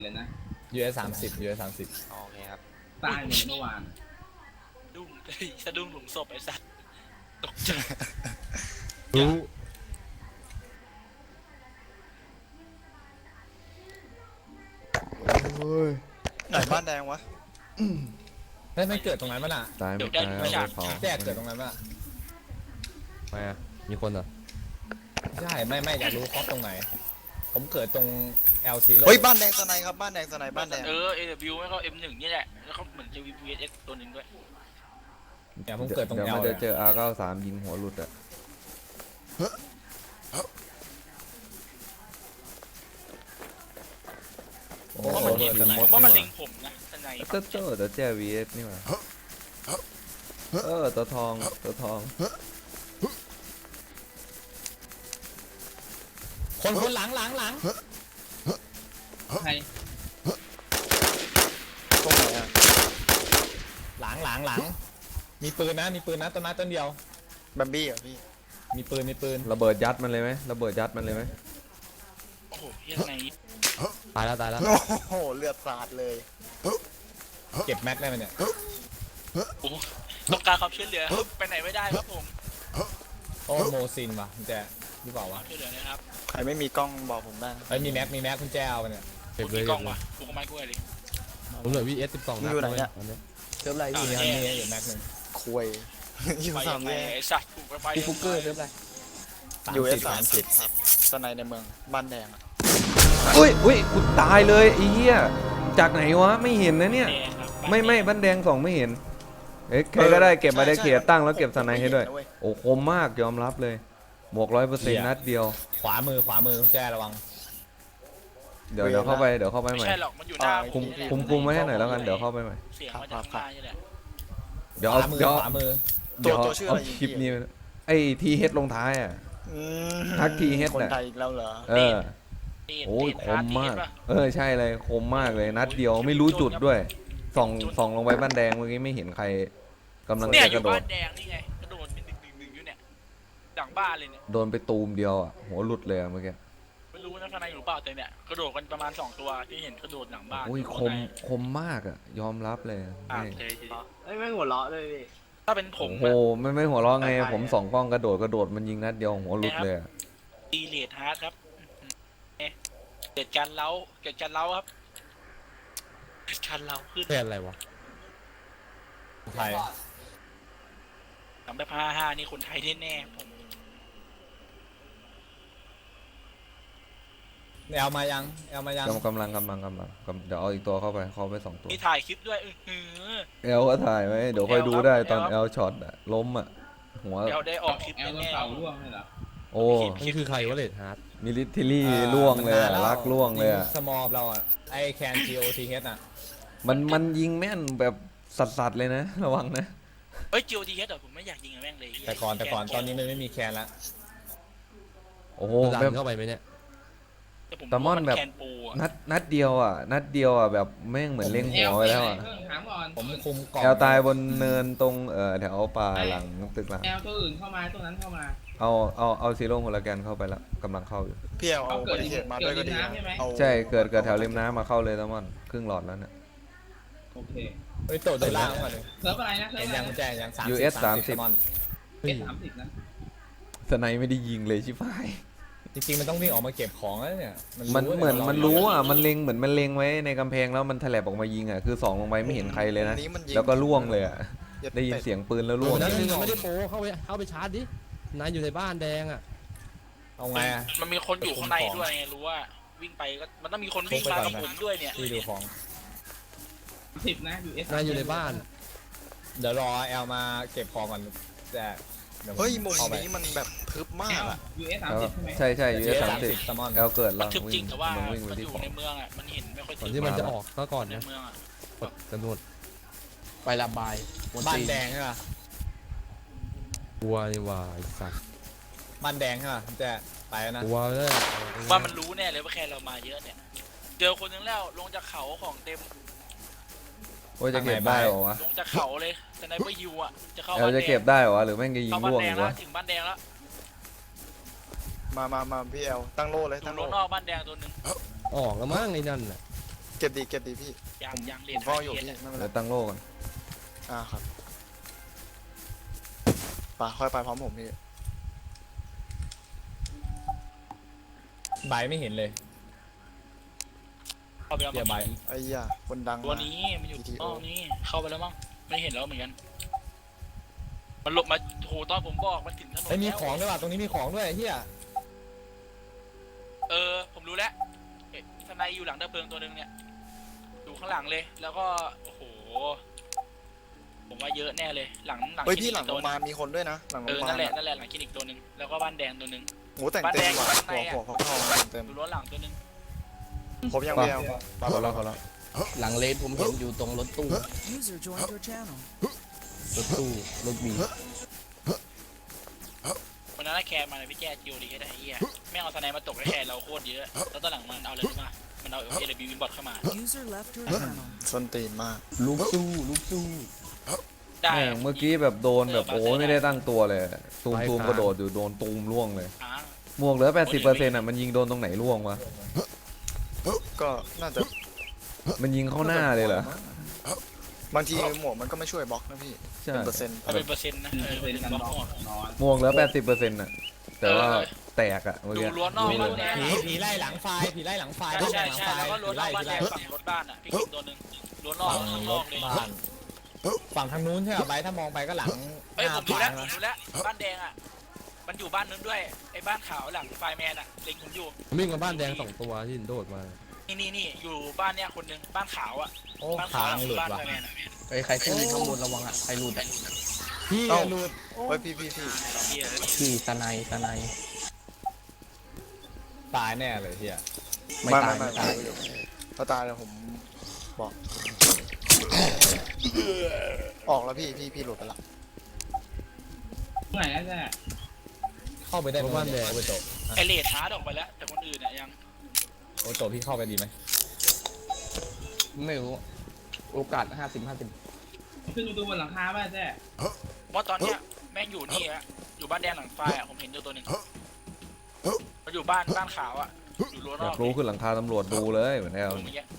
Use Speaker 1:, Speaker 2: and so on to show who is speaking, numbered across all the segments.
Speaker 1: เลยนะ
Speaker 2: US 30 US 30
Speaker 3: โอเคครับ
Speaker 1: ตายหมดเมื่อวาน
Speaker 3: ดุ้งสะดุ้งหลุมศพไอ้สัตว์ตกใจ
Speaker 2: รู้
Speaker 4: ไหนบ้านแดงวะ
Speaker 2: ไม่เกิดตรงนั้นมั้ยน่ะ
Speaker 5: ตายไม่ตายเอาไปเผา
Speaker 2: แจกเกิดตรงนั้นมั้ยน่ะ
Speaker 5: ไม่อะมีคนเหรอ
Speaker 2: ใช่ไม่อยากรู้ครอบตรงไหน ผมเกิดตรง LC
Speaker 4: เฮ้ยบ้านแดงสไนครับบ้านแดงสไนบ้านแดง
Speaker 3: AW ไม่ก็ M1 นี่แหละแล้วเขาเหมือนจะ VPSX ตัวหนึ่งด้วย
Speaker 2: เนี่ยผมเกิดตรง
Speaker 5: เดี๋ยว
Speaker 2: L
Speaker 5: มันจะเจอ R93 ยิงหัวหลุดอะ
Speaker 2: โอ้
Speaker 3: เพราะ
Speaker 2: โห
Speaker 3: มัน
Speaker 2: เกิดตรงไหน
Speaker 3: ผมว่ามันเล็งผมนะทนาย
Speaker 5: เตัวแจ้ VS นี่หว่าตัวทอง
Speaker 2: คนหลัง
Speaker 1: ใคร
Speaker 4: ตรงไหนอะ
Speaker 2: หลังมีปืนนะต้นไม้ต้นเดียว
Speaker 4: แบมบี้เหรอพี่
Speaker 2: มีปืน
Speaker 5: ระเบิดยัดมันเลยไหมระเบิดยัดมันเลยไหม
Speaker 3: โอ้โหเฮียไหน
Speaker 5: ตายแล้ว
Speaker 4: โอ้โหเลือดสาดเลย
Speaker 2: เก็บแม็กได้ไหมเนี่ย
Speaker 3: โอ้โหต้องการความช่วยเหลือไปไหนไม่ได้ครับผม
Speaker 2: โอ้โมซินว่ะคุณแจหรือเปล่าะ
Speaker 3: ควาวมช่วยเหลือนะครับ
Speaker 4: ใครไม่มีกล้องบอกผมได้นะ
Speaker 2: เฮ้ยมีแม็กคุณแจเอาไปเนี่ย
Speaker 3: กูมีกล้องว่ะกูก็ไม่กูเลยดิ
Speaker 5: ผมเหลือ VS 12
Speaker 4: มึงอยู่ไหนเนี่ย
Speaker 2: เติมอะไรพี่มีอยู่แม็กหนึ่ง
Speaker 4: คุยอยู่
Speaker 3: ไป
Speaker 4: สา
Speaker 3: ยั
Speaker 4: ม
Speaker 3: งไง
Speaker 4: แยก
Speaker 3: ไอ้สัตว์กูไป
Speaker 2: พี่ฟุกเกอร์เติมอะไร
Speaker 4: อยู่S30ครับสไนในเมืองบ้านแดงอะ
Speaker 5: อุ้ยกูตายเลยไอ้เหี้ยจากไหนวะไม่เห็นนะเนี่ย
Speaker 3: แดงครับ
Speaker 5: ไม่บ้านแดงสองไม่เห็นใครก็ได้เก็บมาได้เขียตั้งแล้วเก็บสไนให้ด้วย โอ้คมมากยอมรับเลยบวก100%นัดเดียว
Speaker 2: ขวามือคุณแจระวัง
Speaker 5: เดี๋ยวเข้าไปให
Speaker 3: ไม่
Speaker 5: ม่
Speaker 3: ใช่หรอกมันอยู่หน้า
Speaker 5: คุมไว้ให้หน่อยแล้วกันเดี๋ยวเข้าไปใหม่
Speaker 3: เสียงมาจากข้างใช่แหละ
Speaker 5: เดี๋ยว
Speaker 2: ข
Speaker 5: เอา
Speaker 2: วามือ
Speaker 5: เดี๋ยว
Speaker 2: ขวามือ
Speaker 4: ตัวชื่อ
Speaker 5: เอา
Speaker 4: อะไรยิง
Speaker 5: คลิปนี้
Speaker 4: พี่
Speaker 5: ไอ้ทีเฮดลงท้ายอ่ะ
Speaker 4: อืม
Speaker 5: ทักทีเฮ็ด
Speaker 4: คน
Speaker 5: น่ะ
Speaker 4: ไทยอีกแล้วเหรอ
Speaker 5: เออโอ้ยคมมากใช่เลยคมมากเลยนัดเดียวไม่รู้จุดด้วยส่องลงไปบ้านแดงเมื่อกี้ไม่เห็นใครกำลัง
Speaker 3: เนี่ย
Speaker 5: จะ
Speaker 3: อก
Speaker 5: ระ
Speaker 3: ยู่
Speaker 5: โด
Speaker 3: บ้า
Speaker 5: ด
Speaker 3: นแดงนี่ไงกระโดดเป็นดึงอยู่เนี่ยหลังบ้านเลยเนี่ย
Speaker 5: โดนไปตูมเดียวอ่ะหัวหลุดเลยอะเมื่อกี้
Speaker 3: ไม่รู้นะทนายอยู่เปล่าแต่เนี่ยกระโดดกันประมาณ2ตัวที่เห็นกระโดดหลังบ้าน
Speaker 5: โอ้ยคมมากอ่ะยอมรับเลย
Speaker 3: อ่ะ
Speaker 5: นี่
Speaker 3: เลยทีเดียว
Speaker 1: ไม่หัวเราะเลยพี่
Speaker 3: ถ้าเป็นผม
Speaker 5: โอ้โหไม่หัวเราะไง
Speaker 1: ไปๆ
Speaker 5: ผมส่องกล้องกระโดดมันยิงนัดเดียวหัวหลุดเลยอะ
Speaker 3: ตีเลดฮาร์ดครับเกิดการเล้าครับเกิดการเล้าขึ้น
Speaker 5: เป็นอะไรวะ
Speaker 2: ไทย
Speaker 3: สำหรับ55นี่คนไทยแน่ๆผม
Speaker 2: แอลมายัง
Speaker 5: กำลังเดี๋ยวเอาอีกตัวเข้าไปไป2ตัว
Speaker 3: มีถ่ายคลิปด้วย
Speaker 5: เอลก็ถ่ายไว้เดี๋ยวค่อยดูได้ตอนเอลช็อตอะล้มอะหัว
Speaker 3: เดี๋ยวได้ออกคลิป
Speaker 1: แอลกระ
Speaker 3: แน่
Speaker 1: เป๋าร่วงเลยเหรอ
Speaker 5: โอ้
Speaker 6: นี่คือใครวะเลดฮาร์ด
Speaker 5: มิลิเทอรี่ล่วงเลยอะลักล่วงเลยอะ
Speaker 2: สมอลเราอ่ะไอแคน GOTH อ่ะ
Speaker 5: มันยิงแม่นแบบสัสๆเลยนะ ระวังนะ
Speaker 3: เฮ้ย GOTH เหรอผมไม่อยากยิงกับแม่งเลย
Speaker 2: แต่ก่อนตอนนี้มันไม่มีแคนละ
Speaker 5: โอ้โห
Speaker 6: ดั
Speaker 5: แบบ
Speaker 6: นเข้าไปไหมเนี่ย
Speaker 5: แต่ม่อนแบบ
Speaker 3: คนปูอะ
Speaker 5: นัดเดียวอะแบบแม่งเหมือนเล็งหัวไว้แล้วอะ
Speaker 1: เพิ่งถามก่อน
Speaker 2: ผมคุมกล่อง
Speaker 5: แอลตายบนเนินตรงแถวป่าหลังตึกหลัง
Speaker 1: แอลตัวอื่นเข้ามาตัวนั้นเข้ามา
Speaker 5: เอาซีโร่โฮลาแกนเข้าไปแล้วกำลังเข้าอยู่
Speaker 4: พี่เอาบริเกตมาด้วยก็ดีนะเอา
Speaker 5: ใช่เกิดแถวริมน้ำมาเข้าเลยตะม่อนครึ่งหลอดแล้วเนี่ย
Speaker 1: โอเค
Speaker 2: เฮ้ยโตดล่างก่อนเลย
Speaker 1: เซิร์ฟอะไรนะเซิ
Speaker 2: เห็
Speaker 1: ร์
Speaker 2: น
Speaker 1: ฟ
Speaker 2: ยัง
Speaker 1: อะไร
Speaker 2: แจ้งยัง
Speaker 5: US 30
Speaker 2: สมอน
Speaker 1: S30นะ
Speaker 5: สไนไม่ได้ยิงเลยชิบหาย
Speaker 2: จริงๆมันต้องวิ่งออกมาเก็บของแล้วเนี่ย
Speaker 5: มันเหมือนมันรู้อ่ะมันเล็งเหมือนมันเล็งไว้ในกำแพงแล้วมันแถลบออกมายิงอ่ะคือ2ลงไปไม่เห็นใครเลยนะ
Speaker 4: อัมันง
Speaker 5: แล้วก็ล่วงเลยอ่ะ
Speaker 4: เย็บ
Speaker 5: ได้ยิน
Speaker 4: เป็
Speaker 5: เสียงปืนแล้วล่วง
Speaker 6: นั่นนึงไม่ได้โปเข้าไปชาร์จดินายอยู่ในบ้านแดงอ่ะ
Speaker 2: เอาไงอ่ะ
Speaker 3: มันมีคนอยู่ข้างในด้วยไงรู้ว่าวิ่งไปก็มันต้องมีคนวิ่งมากับผมด้วยเนี่ย
Speaker 2: ที่ดูของ
Speaker 1: 10นะ US
Speaker 6: นายอยู่ในบ้าน
Speaker 2: เดี๋ยวรอแอลมาเก็บของก่อนแต่ดี๋วผ
Speaker 4: เฮ้ยมุม
Speaker 2: ข้าไป
Speaker 4: นี้มันแบบทึบมากอะ
Speaker 1: US30 ใช่ไหม
Speaker 5: ใช่ US
Speaker 2: สมอน
Speaker 5: 30แอลเกิด
Speaker 3: มั
Speaker 5: แล้
Speaker 3: น
Speaker 5: ว
Speaker 3: ทึบจริ
Speaker 5: วิ่
Speaker 3: ง
Speaker 5: ง
Speaker 3: แต่ว่า
Speaker 5: มันวิ่งไป
Speaker 3: มันอ
Speaker 5: ที่
Speaker 3: ยู่
Speaker 5: ของ
Speaker 3: ในเมืองอ่ะมันเห็นไม่ค่อย
Speaker 6: ก่
Speaker 3: ถึ
Speaker 6: อน
Speaker 3: ง
Speaker 6: ที่มันจะออกก็ก่อน
Speaker 3: ใน
Speaker 6: นะ
Speaker 3: เมืองอ่ะ
Speaker 6: กดจำนวนไประบายบ
Speaker 2: บ้าน
Speaker 6: ตี
Speaker 2: แดงใช่ป่ะ
Speaker 6: กลัวนี่ว่าไอ้สัตว์
Speaker 2: บ้านแดงใช่ป่ะแต่ไปแล้วนะ
Speaker 6: กลัวเลย
Speaker 3: ว่ามันรู้แน่เลยว่าแค่เรามาเยอะเนี่ยเจอคนนึงแล้วลงจากเขาของเต็ม
Speaker 5: โอ้ยจะเก็บได้เหรอวะ
Speaker 3: ลงจากเขาเลยแต่ในว่ายูอ่ะจะเข้า
Speaker 5: แอ
Speaker 3: บ้า
Speaker 5: ล
Speaker 3: นแด
Speaker 5: จะ
Speaker 3: ง
Speaker 5: เก็บได้เหรอวะหรือแม่งจะยิง
Speaker 3: เข้าบ้าน
Speaker 5: ล่วง
Speaker 3: แด
Speaker 5: อี
Speaker 3: ง
Speaker 5: ก
Speaker 3: แล้ว
Speaker 5: วะ
Speaker 3: ถึงบ้านแดงแล้ว
Speaker 4: มาพี่แอลตั้งโล่เลย
Speaker 3: อยู่
Speaker 4: ตั้ง
Speaker 3: ล
Speaker 4: โล่
Speaker 3: งนอกบ้านแดงตัวนึง
Speaker 6: ออกแล้วมั้งไอ้นั่นน่ะ
Speaker 4: เก็บดีพี่
Speaker 3: ยังเรี
Speaker 4: ผ
Speaker 3: ยน
Speaker 4: มเฝ้าอยู่พี่ไม่เป็นไร
Speaker 5: เดี๋ยวตั้งโล่ก่อน
Speaker 4: ครับไปค่อยไปพร้อมผมพี่
Speaker 2: ใบไม่เห็นเลย
Speaker 3: เข้าไปแล้ว
Speaker 2: เกียร์ใบ
Speaker 4: ไอ้ยาคนดัง
Speaker 3: ตัว
Speaker 4: มา
Speaker 3: นี้มันอยู่นอกนี้เข้าไปแล้วมั้งไม่เห็นแล้วเหมือนกันมันหลบมาโหตอนผมบอกมันถึงถนน
Speaker 2: ไอ้ยมี
Speaker 3: แล้ว
Speaker 2: ของด้วยว่ะตรงนี้มีของด้วยไอ้เฮีย
Speaker 3: ผมรู้แล้วทนายอยู่หลังดับเพลิงตัวนึงเนี่ยอยู่ข้างหลังเลยแล้วก็โอ้โหผมว่าเยอะแน่เลยหลัง
Speaker 4: เฮ้ย
Speaker 3: คลิ
Speaker 4: พี่
Speaker 3: นิก
Speaker 4: หลังโรงพยาบาลมีคนด้วยนะหลังโรงพยาบาล
Speaker 3: นั่นแหละหลังคลินิกตัวนึงแล้วก็บ้านแดงตัวนึง
Speaker 4: โหแต่งเต็มว่ะหัวพกทองเต็ม
Speaker 3: อยู่รั้วหลังตัวนึง
Speaker 4: ผมยังไม่เอา
Speaker 5: เขาแล้วเขาแล้ว
Speaker 6: หลังเลนผมเห็นอยู่ตรงรถตู้
Speaker 7: User joined your channel.
Speaker 6: รถตู้รถมี
Speaker 3: วันนั้นแคร์มาเลยพี่แก้จิวดีแค่ไหนเฮียแม่งเอาทนายมาตกให้แคร์เราโคตรเยอะแล้วตอนหลังมันเอาอะไรรู้ป่ะมันเอาเอลบีวินบอทเข้ามา
Speaker 7: User left your channel.
Speaker 4: ส้นตีนมาก
Speaker 6: ลูกสู้ลูกสู้
Speaker 3: ได้
Speaker 5: แม่งเมื่อกี้แบบโดนแบบโอ้ยไม่ได้ตั้งตัวเลยตูมกระโดดอยู่โดนตูมล่วงเลย
Speaker 3: ค้าง
Speaker 5: หมวกเหลือ 80%อ่ะมันยิงโดนตรงไหนล่วงวะ
Speaker 4: ก็น่าจะ
Speaker 5: มันยิงเข้าหน้าเลยเหรอบ
Speaker 4: างทีหมวกมันก็ไม่ช่วยบล็อกนะพี่
Speaker 5: ใช่
Speaker 4: เป็นเปอร์เซ็นต์
Speaker 3: เอาเป็นเปอร์เซ็นต์นะ
Speaker 1: เป็นกัน
Speaker 3: บล็อก
Speaker 1: นอ
Speaker 3: หมด
Speaker 1: นอน
Speaker 5: หมวกเหลือ 80%อ่ะแต่ว่าแตกอ่ะเมื่อ
Speaker 3: ดู
Speaker 5: กี้
Speaker 3: รั้วนอกบ้านแดง
Speaker 2: ผีไล่หลังไฟผีไล่หลังไฟ
Speaker 3: ใช่
Speaker 2: ผี
Speaker 3: ใช่
Speaker 2: ไล่หลังไฟ
Speaker 3: แล้วก็รั้วนอกบ้านแด
Speaker 2: ผี
Speaker 3: ง
Speaker 2: ไล่
Speaker 3: ฝั่งรถบ้านอ่ะพี่คิดตัวนึงรั้วนอก
Speaker 2: ฝั่ง
Speaker 3: ข้างน
Speaker 2: ร
Speaker 3: อ
Speaker 2: ถ
Speaker 3: กเลย
Speaker 2: บ้านฝั่งทางนู้นใช่ป่ะใบถ้ามองไปก็หลัง
Speaker 3: เอ้ยผมดูแล้ว
Speaker 2: ห
Speaker 3: ผ
Speaker 2: น้าม
Speaker 3: ดูแล้วบ้านแดงอ่ะมันอยู่บ้านนู้นด้วยไอ้บ้านขาวหลังไฟแมนอ่ะเล็งผมอยู่
Speaker 6: วิ่งมาบ้านแดง2 ตัวที่โดดมา
Speaker 3: นี่อยู่บ้านเนี้ยคนนึงบ้านขาวอ่ะ
Speaker 2: โอ้
Speaker 3: บ้าน
Speaker 2: ขา
Speaker 3: ขาวหลั
Speaker 2: ง
Speaker 3: ง
Speaker 2: หลุด
Speaker 3: บ้าน
Speaker 2: ว่ะ
Speaker 3: ไฟแมนอ่ะ
Speaker 6: เฮ้ยใครขึ้นข้างบนระวังอ่ะใครหลุดอ่ะ
Speaker 2: พี่หลุด
Speaker 4: เฮ้ยพี่
Speaker 6: พี่สไนด์
Speaker 2: ตายแน่เลยเฮีย
Speaker 6: ไม่ตายไม่ตาย
Speaker 4: ถ้าตายแล้วผมบอกออกแล้วพี่หลุดไปละ
Speaker 1: ไหนแล้วแจ้
Speaker 2: เข้าไปได้ไหม
Speaker 6: บ้านแดง
Speaker 2: โอโต
Speaker 3: ไอเลดฮาร์ดออกไปแล้วแต่คนอื่นอ่ะยัง
Speaker 2: โอโตพี่เข้าไปดีไหม
Speaker 6: ไม่รู้โอกาส 50
Speaker 1: ขึ้นอยู่ตัวบนหลังคาป่ะแจ้
Speaker 3: เพราะตอนเนี้ยแม่งอยู่นี่ฮะอยู่บ้านแดงหลังไฟอ่ะผมเห็นอยู่ตัวนึงมันอยู่บ้านขาวอ่ะอยู่รั้วน
Speaker 5: อ
Speaker 3: อย
Speaker 5: าก กรู้ขึ้นหลังคาตำรวจดูเลยเหมือนแอล
Speaker 3: เมื่อกี้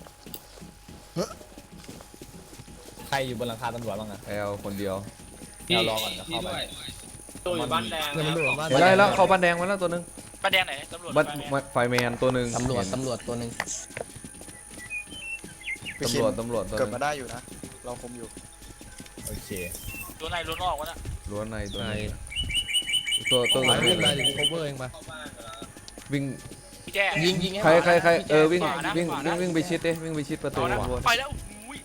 Speaker 2: ใครอยู่บนหลังคาตำรวจบ้างอะ
Speaker 5: แอลคนเดียว
Speaker 1: พี่
Speaker 2: รอก่อนเดี๋ยวเข้าไป
Speaker 1: ด้วย
Speaker 3: ตัวอยู่บ้านแดง
Speaker 6: เนี่ยมันโดดบ้าน
Speaker 5: เห็นไรแล้วเข้าบ้านแดงมาแล้วตัวหนึง
Speaker 3: บ้านแดงไหนตำรวจ
Speaker 5: บ้านไฟแมนตัวหนึง
Speaker 6: ตำรวจ
Speaker 5: เห็น
Speaker 6: ตัวหนึ่ง
Speaker 4: พี่คิ
Speaker 5: ตำรวจตัวห
Speaker 4: เกิด
Speaker 5: นึง
Speaker 4: มาได้อยู่นะ เราคุมอยู่
Speaker 2: โอเค
Speaker 3: ตัวในรั้วนอกวะน่ะ
Speaker 5: รั้วในตัว
Speaker 6: ใน
Speaker 5: ไหนตัว
Speaker 6: ไป
Speaker 5: อื่น
Speaker 6: วิ่งเลยดิ cover เองไป
Speaker 5: วิ่ง
Speaker 3: พี่แจ้
Speaker 6: ยิง
Speaker 5: ใครวิ่ง
Speaker 3: ขวานะ
Speaker 5: วิ่ง
Speaker 3: ขวานะ
Speaker 5: วิ่งไปชิดดิวิ่งไปชิดประตู
Speaker 3: เอานะ
Speaker 5: รั้ว
Speaker 3: ไปแล้วอุ้ย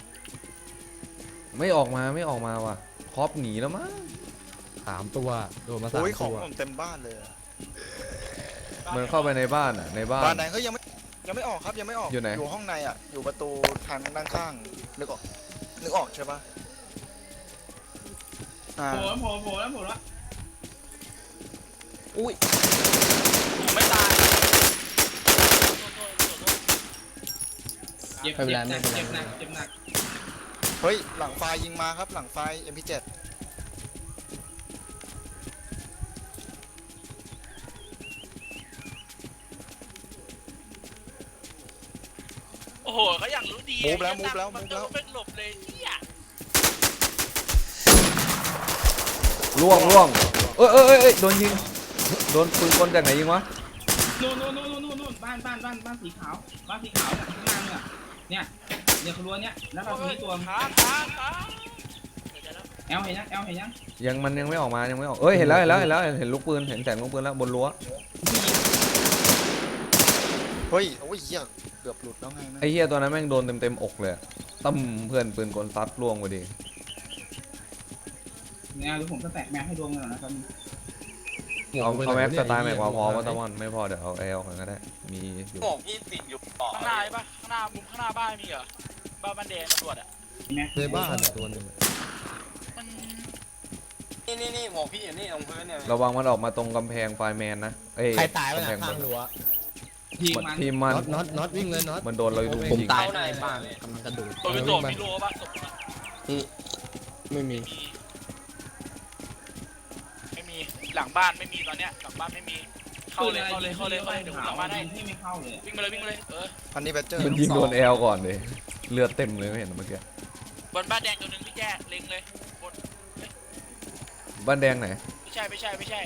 Speaker 5: ไม่ออกมาว่ะครอปหนีแล้วมั้ง
Speaker 6: 3 ตัวโดดมา
Speaker 4: โอ้ย
Speaker 6: 3
Speaker 4: ของ
Speaker 6: ตัว
Speaker 4: ผมเต็มบ้านเลยอะ
Speaker 5: มันเข้าไปในบ้านอ่ะในบ้าน
Speaker 4: บ้านไหนเขายังไม่ออกครับยังไม่ออก
Speaker 5: อยู่ไหน
Speaker 4: อยู่ห้องในอ่ะอยู่ประตูทางด้านข้างนึกออกใช่ปะอ่า
Speaker 1: โผล่แล้ว
Speaker 6: อุ้ย
Speaker 3: ผมไม่ตาย
Speaker 1: เจ็บหนัก
Speaker 4: เฮ้ยหลังไฟยิงมาครับหลังไฟ MP7
Speaker 3: โอ้โหเขาอยากรู้ดี
Speaker 4: มูฟแล้ว
Speaker 3: มันเป็นหลบเลยที่อ่ะ
Speaker 5: ล่วงเอ้ยโดนยิงโดนปืนคนจากไหนยิงวะ
Speaker 1: นู่นบ้านสีขาวน่ะข้างล่างเนี่ยเนี่ยรั้วเนี่ยแล้วเราตรงนี้ตัว
Speaker 3: ค้าง
Speaker 1: แอลเห็นยัง
Speaker 5: มันยังไม่ออกเอ้ยเห็นแล้วเห็นลูกปืนเห็นแสงลูกปืนแล้วบนรั้ว
Speaker 4: เฮ้ยโอ้ยเหี้ยเกือบหลุดแล้วไงนะ
Speaker 5: ไอ้เหี้ยตัวนั้นแม่งโดนเต็มอกเลยตั้มเพื่อนปืนกลซัดล่วงไปดิ
Speaker 1: เนี่ยดูผมจะแตกแม็กให้ดวงหน่อยนะตอนนี้
Speaker 5: เอาแม็กสไตล์แม็กพอว่าตะวันไม่พอเดี๋ยวเอาแอลกันก็ได้มีอยู่
Speaker 3: ข้างหน้าใช่ปะข้างหน้ามุมข้างหน้าบ้านมีเหรอบ้านแดงตำรวจอ่ะ
Speaker 1: แม็ก
Speaker 6: ในบ้านอะตัวหนึง
Speaker 3: มัน
Speaker 8: นี่หมวกพี่อยู่นี่ตรงพื้นเนี่ย
Speaker 5: ระวังมันออกมาตรงกำแพงไฟแมนนะเอ้ย
Speaker 2: ใครตายไป
Speaker 5: กำแพ
Speaker 2: นะ
Speaker 5: ง
Speaker 2: ข้างรั้ว
Speaker 1: ทีม
Speaker 5: มัน
Speaker 1: มัน
Speaker 5: ทีมมัน
Speaker 6: น็อตวิ่งเลยน็อต
Speaker 5: มันโดนเราดู
Speaker 6: ผม
Speaker 5: ยิง
Speaker 6: ตายในบ้านกำลังกระโดด
Speaker 3: ตัวเป็นตัวมีโลป่ะศพมันอะ
Speaker 6: ไม่มี
Speaker 3: ไม่มีหลังบ้านไม่มีตอนเนี้ยหลังบ้านไม่มีเข้าเลยเข้าเลยเข้าเลยเข้าเลยเดี๋ยวผมหลังบ้านให้
Speaker 1: ให้ไม่เข้าเลย
Speaker 3: วิ่งมาเลยวิ่งมาเลย
Speaker 4: อันนี้แบตเจอร์
Speaker 5: มันยิงโดนแอลก่อนเลยเลือดเต็มเลยไม่เห็นเมื่อกี้
Speaker 3: บนบ้านแดงตัวหนึงพี่แจ้เล็งเลยบน
Speaker 5: บ้านแดงไหน
Speaker 3: ไม่ใช่ไม่ใช่ไม่ใช่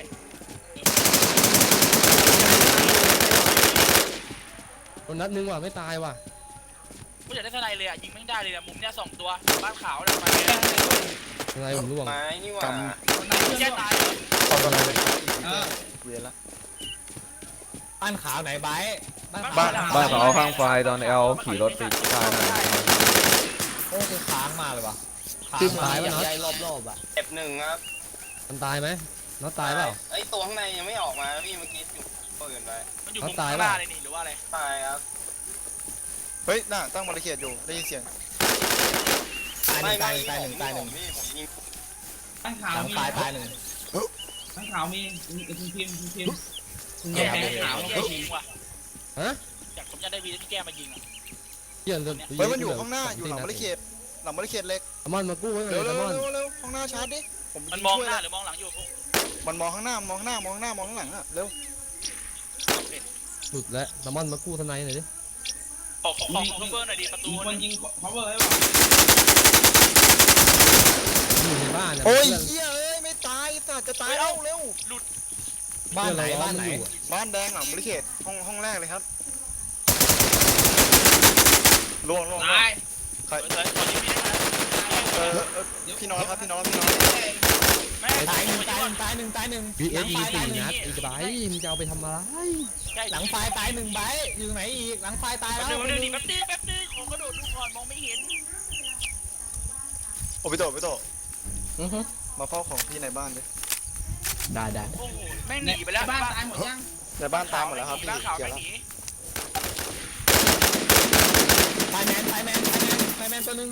Speaker 6: คนนัดนึงว่ะไม่ตายว่ะ
Speaker 3: ไม่อยากได้ทนายเลยอ่ะยิงไม่ได้เลยอ่ะมุมเนี้ย2 ตัวบ้านขาวเนี่ยมาแดง
Speaker 6: ยังไงผมร่วง
Speaker 8: ไม้นี่หว่า
Speaker 3: แจ้ตายเลย
Speaker 2: ตอนนั้นเลย
Speaker 4: เวียนละ
Speaker 2: บ้านขาวไหนไบร์ท
Speaker 5: บ้านเขาเอาข้างไฟตอนแอลขี่รถติดตายนะ
Speaker 2: โอ้คือค้างมาเลยวะค้าง
Speaker 6: คือ
Speaker 2: มา
Speaker 6: ตายป่ะน็อต
Speaker 8: เจ็บหนึ่งครับ
Speaker 6: มันตายไหมน็อตตายเปล่า
Speaker 8: ไอ้ตัวข้างในยังไม่ออกมาพี่เมื่อกี้อยู่เปิดไป
Speaker 3: มันอยู่มุมข้างหน้าเลยนี่หรือว่าอะไร
Speaker 8: ตายครับ
Speaker 4: เฮ้ยน่าตั้งบาริเคดอยู่ได้ยินเสียง
Speaker 2: ตายหนึ่งตายหนึ่ง
Speaker 8: พี่ผมยิง
Speaker 1: ตั้งขาว
Speaker 2: หลัง
Speaker 1: มี
Speaker 2: ไฟตายหนึ่ง
Speaker 1: ตั้งขาวมีคุณพิมคุณ
Speaker 3: แก้
Speaker 1: แก้ขาว
Speaker 3: แก้ยิงว่ะ
Speaker 6: ฮะ
Speaker 3: อยากผมจะได้วีที่แก้มายิงอ่ะ
Speaker 6: เฮียเลย
Speaker 4: เฮ้ยมันอยู่ข้างหน้าอยู่หลังบาริเคดหลังบาริเคดเล็ก
Speaker 6: ตะมอนมากู้ไว้เล
Speaker 4: เร็วย
Speaker 6: ตะมอน
Speaker 4: เร็วข้างหน้าชาร์จดิผม
Speaker 3: มันมอง
Speaker 4: ช่วย
Speaker 3: หน้า
Speaker 4: แล้ว
Speaker 3: หรือมองหลังอยู่พวก
Speaker 4: มันมองข้างหน้ามองข้างหน้ามองข้างหน้ามองข้างหลังอะเร็ว
Speaker 6: หลุดแล้วตะมอนมากู้ทนายหน่อยดิ
Speaker 3: ของเฟิร์นหน่อยดิประตู
Speaker 1: มีคนยิง cover ให้ป่ะ
Speaker 6: อยู่ในบ้านนะ
Speaker 4: โอ้ย
Speaker 6: เพื่อน
Speaker 4: เหี้ยเอ้ยไม่ตายสัตว์จะตายแล้วเร็ว
Speaker 2: บ้านไหน
Speaker 6: เพื่อ
Speaker 2: บ้าน
Speaker 6: เร
Speaker 2: ไหน
Speaker 6: มัอยู่อะ
Speaker 4: บ้านแดงหลังบริเขตห้องแรกเลยครับล่วง
Speaker 1: ตาย
Speaker 4: ใคร
Speaker 3: เฮ้ยขอยิงพี่ได้ไหม
Speaker 4: พี่น้อยครับพี่น้อย
Speaker 3: แม่
Speaker 2: ตายหนึ่ง
Speaker 3: ตา
Speaker 2: ตาย
Speaker 3: ย
Speaker 2: หนึ่งตายหนึ่งตายหนึ่ง
Speaker 6: พีเอ
Speaker 2: หลั
Speaker 6: ส
Speaker 2: ง
Speaker 6: มี
Speaker 2: ไฟตาย
Speaker 6: 4
Speaker 2: หนึ่ง
Speaker 6: นัดอีกใบมึงจะเอาไปทำอะไร
Speaker 2: หลังไฟตายหนึ่งไบร์ทอยู่ไหนอีกหลังไฟตาย
Speaker 3: แป๊
Speaker 2: แล้
Speaker 3: บ
Speaker 2: ว
Speaker 3: นึงแป๊บนึงขอกระโดดดูก่อนมองไม่เห็น
Speaker 4: โอ้พี่โตมาเฝ้าของพี่ในบ้านดิ
Speaker 6: ได้ได้
Speaker 3: โอ้โหแม่งหนีไปแล้ว
Speaker 1: บ้านตายหมดยัง
Speaker 4: ในบ้านตามหมดแล้วครับพี่
Speaker 3: บ้านขาว
Speaker 4: เกีย
Speaker 3: ไม่
Speaker 4: ร์
Speaker 3: หนี
Speaker 2: ไฟแมนตัวหนึง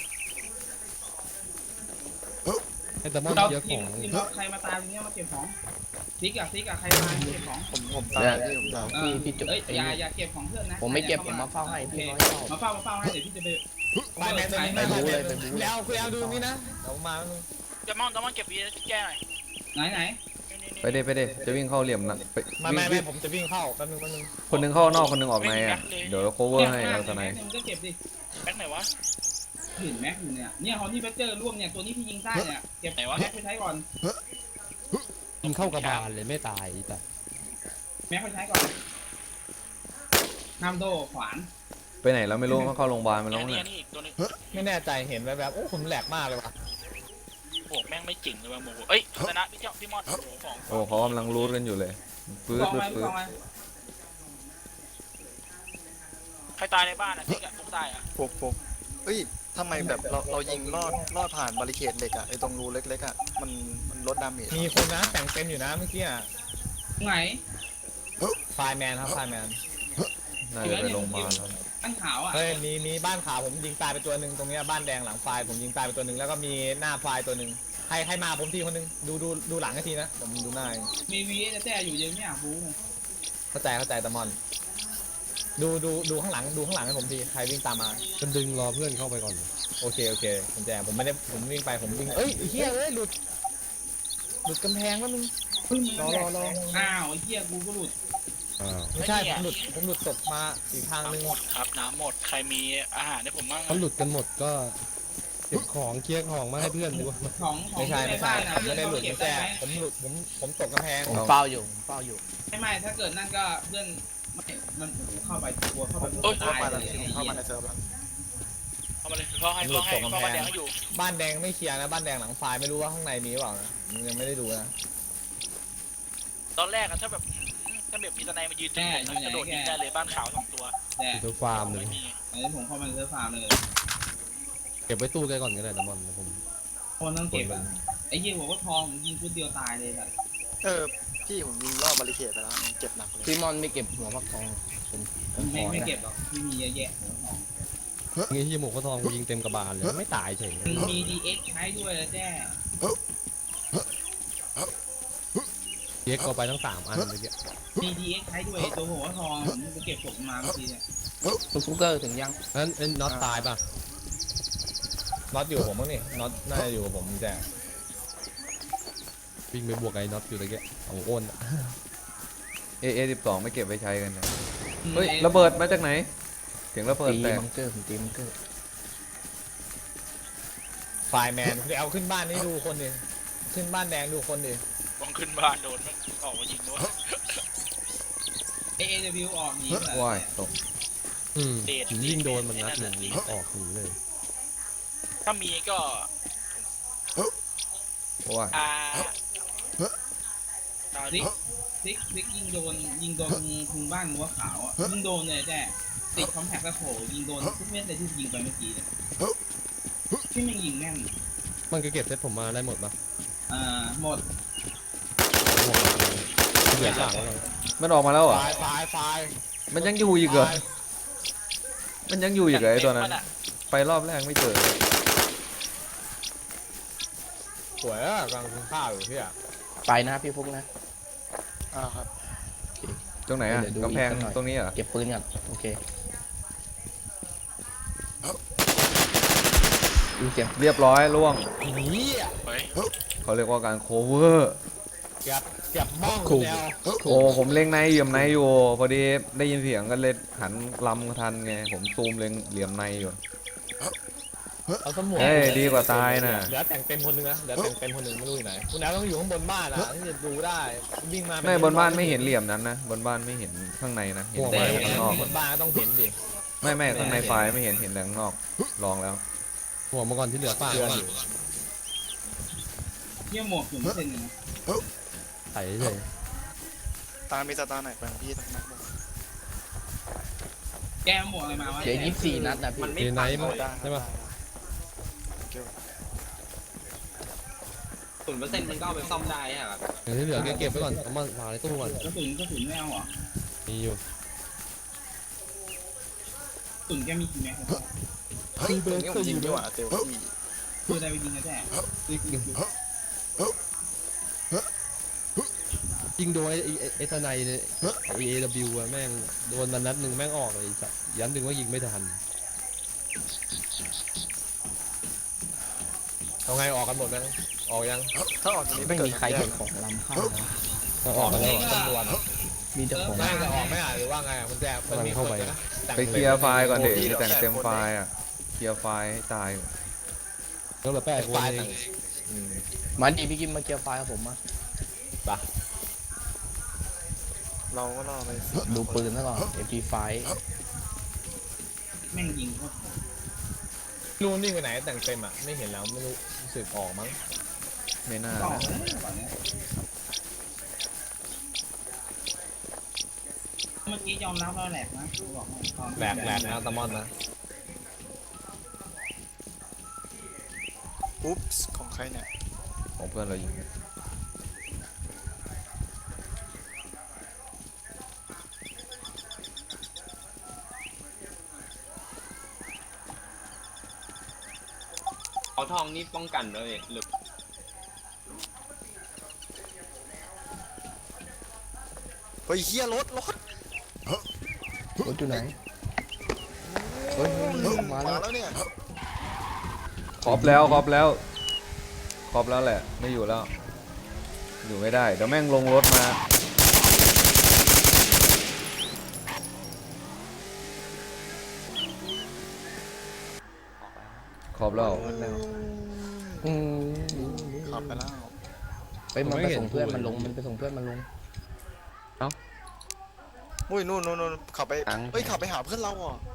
Speaker 6: ให้ตะมอน
Speaker 1: เรา
Speaker 6: เยอะของ
Speaker 1: ทีมเราใครมาตายตรงนี้มาเก็บของซิกอะใครตายเก็บของ
Speaker 4: ผมตายพี่ผมตาย
Speaker 1: พี่จุ๊บอย่าเก็บของเพื่อนนะ
Speaker 7: ผมไม่เก็บผมมาเฝ้าให้พี่น้อยเฝ้า
Speaker 1: มาเฝ้าให้เดี๋ยวพี่จะไป
Speaker 2: ไฟแมนตัวหนึง
Speaker 1: ไป
Speaker 2: ไฟ
Speaker 1: ดู
Speaker 2: แม
Speaker 1: เลย
Speaker 2: นแล้วคุณเอาดูนี่นะเดี๋ยวมา
Speaker 3: จะมองเก็บวีแก้หน่อย
Speaker 1: ไหน
Speaker 5: ไปเด้จะวิ่งเข้าเหลี่ยมนะไป
Speaker 2: ไม่ผมจะวิ่งเข้าแป๊บนึง
Speaker 5: คนหนึงเข้านอกคนหนึงออกในอ่ะเดี๋ยว cover ให้เราทนาย
Speaker 1: มึงก็เก็บดิ
Speaker 3: แบ็คไหนวะ
Speaker 1: ถึงแม็กอยู่เนี่ยฮอนนี่เบเจอร์ร่วมเนี่ยตัวนี้พี่ยิงได้เนี่ยเก็บแม็กไปใช้ก่อน
Speaker 6: ยิงเข้ากระบาลเลยไม่ตายแต่
Speaker 1: แม็กไปใช้ก่อนนำโดขวาน
Speaker 5: ไปไหนเราไม่รู้ว่าเข้าโรงพยาบาลไปแล้ว
Speaker 3: นี่
Speaker 5: เนี่ย
Speaker 3: นี่อีกตัวนึง
Speaker 2: ไม่แน่ใจเห็นแบบโอ้ผมแหลกมากเลยว่ะ
Speaker 3: โอ้แม่งไม่จริงเลยว่ะโมโหเอ้ยชนะพี่มอดโอ้โหของ
Speaker 5: โอ้เขากำลังรูดกันอยู่เลยปื๊ด
Speaker 1: กอง
Speaker 5: ปื๊ด
Speaker 1: ไว้
Speaker 5: ปื๊ด
Speaker 3: ใครตายในบ้านอ่ะที่กับพวกตายอ่ะ
Speaker 4: โฟกเอ้ยทำไมแบบเรายิงลอดผ่านบาริเคดเหล็กอะไอตรงรูเล็กๆอะมันลดดาเมจ
Speaker 2: มีคนนะแต่งเต็มอยู่นะเมื่อกี้อ่ะ
Speaker 1: ไหน
Speaker 2: ไฟแมนครับไฟแมน
Speaker 5: น่าจะไปโรงพยาบาลแล้ว
Speaker 1: ตั้งขาวอ่ะ
Speaker 2: เฮ้ยมีบ้านขาวผมยิงตายไปตัวหนึ่งตรงนี้บ้านแดงหลังไฟผมยิงตายไปตัวหนึ่งแล้วก็มีหน้าไฟตัวหนึ่งให้มาผมทีคนหนึงดูหลังให้ทีนะผมดูหน้าเอง
Speaker 1: มีวีแต่อยู่ยังไม่อยากรู้
Speaker 2: เข้าใจตะมอนดูข้างหลังให้ผมทีใครวิ่งตามมา
Speaker 6: จะดึงรอเพื่อนเข้าไปก่อน
Speaker 2: โอเคผมแจผมไม่ได้ผมวิ่งไปผมวิ่งเอ้ยไอ้เฮียเอ้ยหลุดกำแพงแล้วมึงรอ
Speaker 1: อ้าวไอ้เหี้ยกูก็หลุด
Speaker 6: อ้าว
Speaker 2: ไม่ใช่ผมหลุดตกมาอีกทางนึง
Speaker 3: หมดครับน้ำหมดใครมีอาหารให้ผมบ้าง
Speaker 6: เขาหลุดกันหมดก็เก็บของเคลียร์ของมาให้เพื่อนดีกว่า
Speaker 1: ของ
Speaker 2: ไม่ใช่ผมไม่ได้หลุดไม่แจผมตกกำแพง
Speaker 5: เอา
Speaker 7: เฝ้าอยู่
Speaker 1: ไม่ถ้าเกิดนั่นก็เพื่อนไม่มันเข้าไปตัวเข้าไป
Speaker 4: เข้า
Speaker 1: ตาย
Speaker 4: มา
Speaker 1: เล
Speaker 4: แล้ว
Speaker 1: ย
Speaker 4: ผมเข้ามาในเซิร์ฟแล้ว
Speaker 3: เข้ามาเลยเขาให้เขามาแดงอยู่
Speaker 2: บ้านแดงไม่เคลียร์นะบ้านแดงหลังไฟไม่รู้ว่าข้างในมีหรือเปล่านะยังไม่ได้ดูนะ
Speaker 3: ตอนแรกอะถ้าแบบมีทนายมายืนกระโดดยิงได้เลยบ้านขาว2 ตัว
Speaker 1: แต่
Speaker 6: ตัวฟาร์มเลย
Speaker 3: ไม่มี
Speaker 1: อันนี้ผมเข้ามาในเซิร์ฟฟาร์มเลย
Speaker 6: เก็บไว้ตู้แกก่อนก็ได้ตะมอนผม
Speaker 1: คนต้องเก็บอ่ะไอ้เหี้ยหัวก็ทองยิงชุดเดียวตายเลยแบบ
Speaker 4: พี่ผมยิงรอบบาริเคดไปแล้วเจ็บหนักเลย
Speaker 7: พี่มอนไม่เก็บหัวฟักทองผม
Speaker 1: ไม่เก็บหรอกที่มีเยอะแยะ
Speaker 6: งี้ที่หมวกก็ทองกูยิงเต็มกระบาลเลยไม่ตายเฉย
Speaker 1: มันมี DX ใช้ด้วยแล้วแจ้
Speaker 6: เย็กก็ไปทั้ง3 อันเลย
Speaker 1: มี DX ใช้ด้วยตัวหัวทองผมไปเก็บศพมาเมื่อกี้เนี่ย
Speaker 7: คุณฟุกเกอร์ถึงยัง
Speaker 6: นั้นน็อตตายป่ะ
Speaker 2: น็อตอยู่ผมมั้งนี่น็อตน่าจะอยู่กับผมแจ
Speaker 6: วิ่งไปบวกไอ้น็อตอยู่ตะเกียของอ้น
Speaker 7: เ
Speaker 5: AA12 ไม่เก็บไว้ใช้กันนะเฮ้ยระเบิดมาจากไหนเสียงระเบิด
Speaker 7: ตี
Speaker 5: แตก
Speaker 7: บังเกอร์ผมตีบังเกอร์
Speaker 2: ไฟแมนเอาขึ้นบ้านนี่ดูคนดิขึ้นบ้านแดงดูคนดิ
Speaker 3: มองขึ้นบ้านโดนมันออกมายิงโน้น
Speaker 1: AAW ออกหนี
Speaker 5: ว้ายตก
Speaker 3: เดท
Speaker 6: ผมยิงโดนมันนัดหนึ่งออกหนีเลย
Speaker 3: ถ้ามีก็
Speaker 5: ว้าย
Speaker 3: ดาว
Speaker 1: ซิ
Speaker 3: ดิ
Speaker 1: กซิกยิงโดนทุงบ้านรั้วขาวอ่ะยิงโดนเลยแจ้ติดคอมแพคแล้วโผล่ยิงโดนทุกเม็ดเลยที่ยิงไปเมื่อกี้เนี่ยที่มันยิงแม่น
Speaker 6: มันก็เก็บเซตผมมาได้หมดปะ
Speaker 1: หมด
Speaker 6: หมดเหลือสามแล้ว
Speaker 5: มันออกมาแล้วเหรอ
Speaker 2: ไฟ
Speaker 5: มันยังอยู่อีกเหรอมันยังอยู่อีกเหรอไอ้ตัวนั้นไปรอบแรกไม่เจอ
Speaker 2: สวยอะกำลังกินข้าวอยู่พี่อะ
Speaker 7: ไปนะพี่ฟุกนะ
Speaker 4: ครับ
Speaker 5: ตรงไหนอ่ะ
Speaker 7: เดี๋ยวดู
Speaker 5: กำแพง
Speaker 7: อีกสักหน่อย
Speaker 5: ตรงนี้เหรอ
Speaker 7: เก็บปืนก่อนโอเคดูเสียง
Speaker 5: เรียบร้อยล่วง
Speaker 2: นี่
Speaker 3: เฮ้ย
Speaker 5: เขาเรียกว่าการโคเวอร์
Speaker 2: เก็บบ้องแนว
Speaker 5: โอ้ผมเล็งในเหลี่ยมในอยู่พอดีได้ยินเสียงกันเลยหันลำทันไงผมซูมเล็งเหลี่ยมในอยู่
Speaker 2: เอาสมุน
Speaker 5: เฮ้ยดีกว่าตายน่ะ
Speaker 2: เหลือแต่งเต็มคนนึงนะเหลือแต่งเต็มคนนึงไม่รู้อยู่ไหนคุณน้าต้องอยู่ข้างบนบ้านนะที่จะดูได้วิ่งมา
Speaker 5: ไม่บนบ้านไม่เห็นเหลี่ยมนั้นนะบนบ้านไม่เห็นข้างในนะเห็นแต่ข้างนอก
Speaker 2: บนบ้านก็ต้องเห็นดิ
Speaker 5: ไม่ข้างในไฟล์ไม่เห็นแต่ข้างนอกลองแล้ว
Speaker 6: หัวมาก่อนที่เหลือป้า
Speaker 2: เดือนอยู่
Speaker 1: เที่ยวหมวก0%นึง
Speaker 6: ไถเลย
Speaker 4: ตามีสตาร์ไหนไปของพี่ทั้งนั้นบอก
Speaker 1: แกหมวกอะไรมาวะ
Speaker 7: เดี๋ยว24 นัดนะพี่
Speaker 6: เดนไนท์มั้งใช่ปะ
Speaker 8: 0%มันก็เอาไปซ่อมได้ฮะ
Speaker 6: เดี๋ยวที่เหลือเก็บไว้ก่อนเอามาฝาในตู้ก่อน
Speaker 1: กระสุนไม่เอาเหรอ
Speaker 6: มีอยู่
Speaker 1: กระสุนแกมีกี่แม็กซ์
Speaker 4: เฮ้ยตรงนี้ผมยิงดีกว่าเตียวพี่
Speaker 1: คืออะไรไปยิงกันแท้
Speaker 6: ยิงโดนไอ้ทนายเนี่ยไอ้ AW อะแม่งโดนมันนัดหนึ่งแม่งออกเลยสัตว์ยันหนึ่งว่ายิงไม่ทัน
Speaker 2: เอาไงออกกันหมดไหมออกยัง
Speaker 4: ถ้าออกจากนี้
Speaker 7: ไม่มีใคร
Speaker 4: เกิ
Speaker 7: เห็
Speaker 4: ด
Speaker 7: นของลำข้างนะ
Speaker 6: ก็ออกกันแล้วเหรอ
Speaker 2: ตำรวจ
Speaker 7: มีแต่ของ
Speaker 2: น่าจะออกไม่อ่ะหรือว่าไงมันแจกมันมีคนนะ
Speaker 5: ไปเคลียร์ไฟล์ก่อนเด็กจะแต่งเต็มไฟล์อ่ะเคลียร์ไฟล์ให้ตายก่อน
Speaker 6: แล้วเหลือแป้ง
Speaker 2: ไฟ
Speaker 6: คน
Speaker 2: ล์
Speaker 6: เอ
Speaker 2: ต่าง
Speaker 6: ง
Speaker 7: มาดีพี่กิมมาเกี่ยวไฟกับผมมา
Speaker 4: เราก็ล่อไป
Speaker 7: ดูปืนซะก่อน MP5
Speaker 1: แม่งยิงโคตร
Speaker 2: รูนนี่ไปไหนแต่งเต็มอ่ะไม่เห็นแล้วไม่รู้รู้สึกออกมั้ง
Speaker 5: ไม่น่า
Speaker 1: ต่อ
Speaker 5: นะ
Speaker 1: เลยก่อนเนี่ยเมื่อกี้ยอมรับว่าแหลกนะบอกให้ตอน
Speaker 2: แหลกนะตามอนนะ
Speaker 4: อุ๊ปส์ของใครเนี่ย
Speaker 5: ของเพื่อนเรายิง
Speaker 8: เอาทองนี่ป้องกันด้วยหรือ
Speaker 4: เฮ้ยเฮียรถ
Speaker 7: รถอยู่ไหนเฮ้ยมา
Speaker 4: มา
Speaker 7: แล้ว
Speaker 4: แล้วเนี่ย
Speaker 5: ครบแล้วแหละไม่อยู่แล้ว อยู่ไม่ได้เดี๋ยวแม่งลงรถมาครบแล้ว
Speaker 7: อืม
Speaker 4: ขับไปแล้ว
Speaker 7: ไปมันไปส่งเพื่อนมันลงมันไปส่งเพื่อนมันลง
Speaker 4: อุ้ยนู่นขับไปเฮ้ยขับไปหาเพื่อนเราอ่ะ